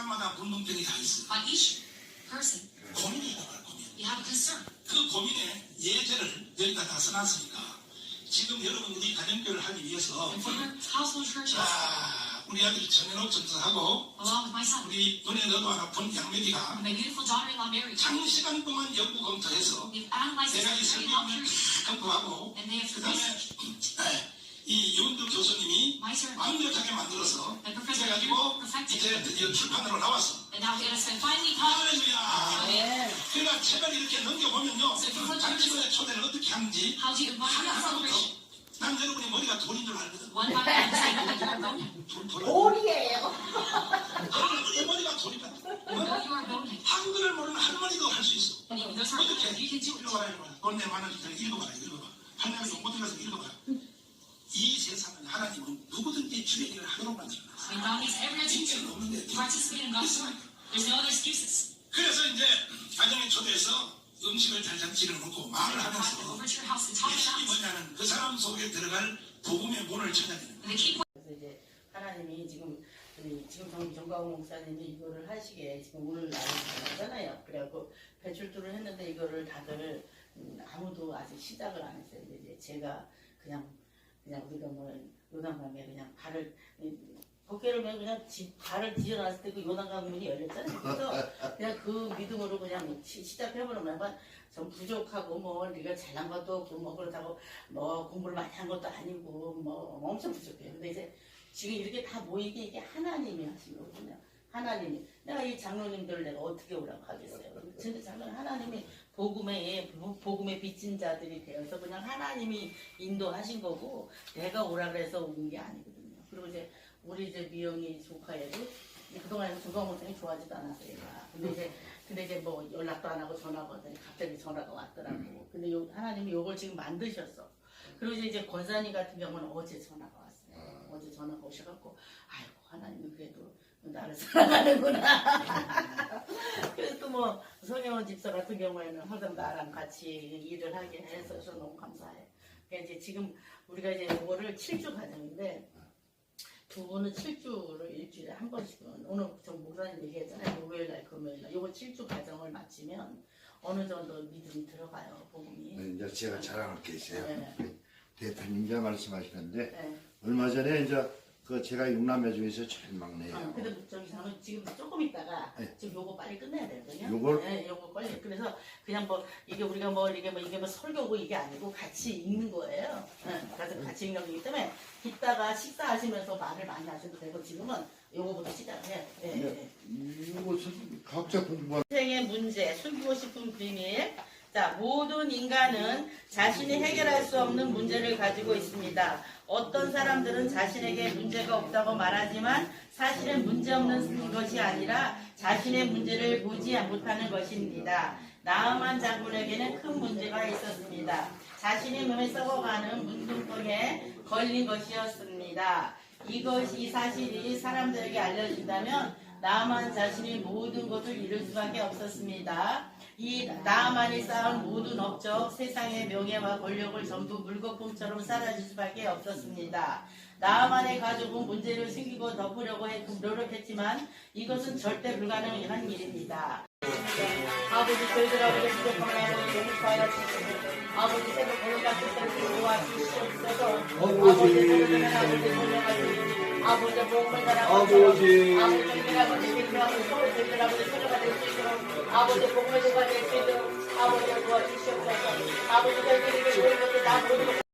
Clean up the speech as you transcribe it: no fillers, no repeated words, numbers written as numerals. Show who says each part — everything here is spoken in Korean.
Speaker 1: 사람마다 문둥병이 다 있어요.
Speaker 2: On each person,
Speaker 1: 고민이 있다고요, 고민.
Speaker 2: you have a concern.
Speaker 1: 그 고민에 예제를 여기다 다 써놨으니까 지금 여러분들이 가정교육을 하기 위해서
Speaker 2: And for your household churches,
Speaker 1: 우리 아들이 정연옥 전사하고
Speaker 2: along with my son,
Speaker 1: 우리 은혜 너도 하나 본 양메리가
Speaker 2: my beautiful daughter-in-law Mary,
Speaker 1: 장시간 동안 연구 검토해서
Speaker 2: we've analyzed this
Speaker 1: 내가 이
Speaker 2: very
Speaker 1: 설교문을
Speaker 2: doctors,
Speaker 1: 다 검토하고
Speaker 2: and they have
Speaker 1: 그 다음에
Speaker 2: researched
Speaker 1: 이 윤두 교수님이
Speaker 2: my sermon,
Speaker 1: 완벽하게 만들어서
Speaker 2: and Professor
Speaker 1: 그래가지고
Speaker 2: perfected
Speaker 1: 이제
Speaker 2: it.
Speaker 1: 드디어 출판으로 나왔어.
Speaker 2: And now it has been finally published.
Speaker 1: 할렐루야. 그러니까 책을 이렇게 넘겨보면요.
Speaker 2: So if you look at
Speaker 1: 장치권의 초대를 어떻게 하는지
Speaker 2: How do you invite that
Speaker 1: 하나하나부터
Speaker 2: celebration?
Speaker 1: 난 여러분이 머리가 돌인 줄 알거든.
Speaker 2: One by one, say that you are bonehead.
Speaker 3: 돌이에요.
Speaker 1: 할머니 머리가 돌이다.
Speaker 2: You know you are bonehead.
Speaker 1: 한글을 모르는 할머니도 할 수 있어.
Speaker 2: And even those who are
Speaker 1: 어떻게?
Speaker 2: bonehead, you can do it.
Speaker 1: 읽어봐라, 읽어봐라. 돈내 만원 읽어봐라, 읽어봐. 할머니 못 들어서 읽어봐라. 이 세상은 하나님은 누구든지 주의 일을 하도록 만들어놨어.
Speaker 2: And God needs everyone
Speaker 1: 핑계는
Speaker 2: to
Speaker 1: 없는데.
Speaker 2: participate in God's work. There's no other excuses.
Speaker 1: 그래서 이제 가정에 초대해서 음식을 잘잘 지어놓고 말을
Speaker 2: Invite them
Speaker 1: 하면서
Speaker 2: over to your house and talk
Speaker 1: 핵심이
Speaker 2: about it.
Speaker 1: 뭐냐면 그 사람 속에 들어갈 복음의 문을 찾아야 되는 거예요.
Speaker 2: And the key point
Speaker 3: 그래서 이제 하나님이 지금 정가훈 목사님이 이거를 하시게 지금 오늘 날이잖아요. 그래갖고 배출두를 했는데 이거를 다들 아무도 아직 시작을 안 했어요. 이제 제가 그냥 우리가 뭐 요단강에 그냥 발을 고개를 그냥 발을 뒤져놨을 때 그 요단강 문이 열렸잖아요. 그래서 그냥 그 믿음으로 그냥 시작해버리면 좀 부족하고 뭐 네가 잘난 것도 없고 뭐 그렇다고 뭐 공부를 많이 한 것도 아니고 뭐 엄청 부족해요. 근데 이제 지금 이렇게 다 모이게 이게 하나님이 하신 거거든요. 하나님이 내가 이 장로님들을 내가 어떻게 오라고 하겠어요. 근데 장로는 하나님이 복음에 비친 자들이 되어서 그냥 하나님이 인도하신 거고 내가 오라 그래서 온 게 아니거든요. 그리고 이제 우리 이제 미영이 조카애도 그동안 조강호생이 좋아하지도 않았어요. 얘가. 근데 이제 뭐 연락도 안 하고 전화가 왔더니 갑자기 전화가 왔더라고. 근데 하나님이 요걸 지금 만드셨어. 그리고 이제 권사님 같은 경우는 어제 전화가 왔어요. 어제 전화가 오셔갖고 아이고 하나님이 그래도 나를 사랑하는구나. 그래서 또 뭐 손혜원 집사 같은 경우에는 항상 나랑 같이 일을 하게 해서 너무 감사해. 그러니까 이제 지금 우리가 이제 이거를 7주 과정인데 두 분은 7주를 일주일에 한 번씩은 오늘 전 목사님 얘기했잖아요. 목요일날 금요일날 요거 7주 과정을 마치면 어느 정도 믿음이 들어가요. 복음이.
Speaker 4: 네, 이제 제가 자랑할 게 있어요.
Speaker 3: 네.
Speaker 4: 대표님자 말씀하시는데
Speaker 3: 네.
Speaker 4: 얼마 전에 이제 그 제가 6남매 중에서 제일 막내예요.
Speaker 3: 근데 저기 저는 지금 조금 있다가
Speaker 4: 네.
Speaker 3: 지금 요거 빨리 끝내야 되거든요.
Speaker 4: 요걸?
Speaker 3: 네, 요거 빨리. 그래서 그냥 뭐 이게 우리가 뭐 이게 뭐 설교고 이게 아니고 같이 읽는 거예요. 네, 그래서 같이 읽는 거기 때문에 이따가 식사하시면서 말을 많이 하셔도 되고 지금은 요거부터 시작해요. 네, 네.
Speaker 4: 이것은 각자 공부할
Speaker 3: 인생의 문제, 숨기고 싶은 비밀. 자, 모든 인간은 자신이 해결할 수 없는 문제를 가지고 있습니다. 어떤 사람들은 자신에게 문제가 없다고 말하지만 사실은 문제 없는 것이 아니라 자신의 문제를 보지 못하는 것입니다. 나아만 장군에게는 큰 문제가 있었습니다. 자신의 몸에 썩어가는 문둥병에 걸린 것이었습니다. 이 사실이 사람들에게 알려진다면 나아만 자신이 모든 것을 잃을 수밖에 없었습니다. 이 나아만이 쌓은 모든 업적, 세상의 명예와 권력을 전부 물거품처럼 사라질 수밖에 없었습니다. 나아만의 가족은 문제를 숨기고 덮으려고 노력했지만 이것은 절대 불가능한 일입니다. 아버지 저희들하고 부족함을 아버지 용서하여 주시고 아버지 새로 보내받을 것을 도와주시옵소서. 아버지 아버지 복음을 전하고 아버지 아버지 서로 저희들하고 새로가 될 수 있도록 아버지 복음을 도와줄 수 있도록 아버지 도와주시옵소서. 아버지 저희들에게 모든 것을 다 모든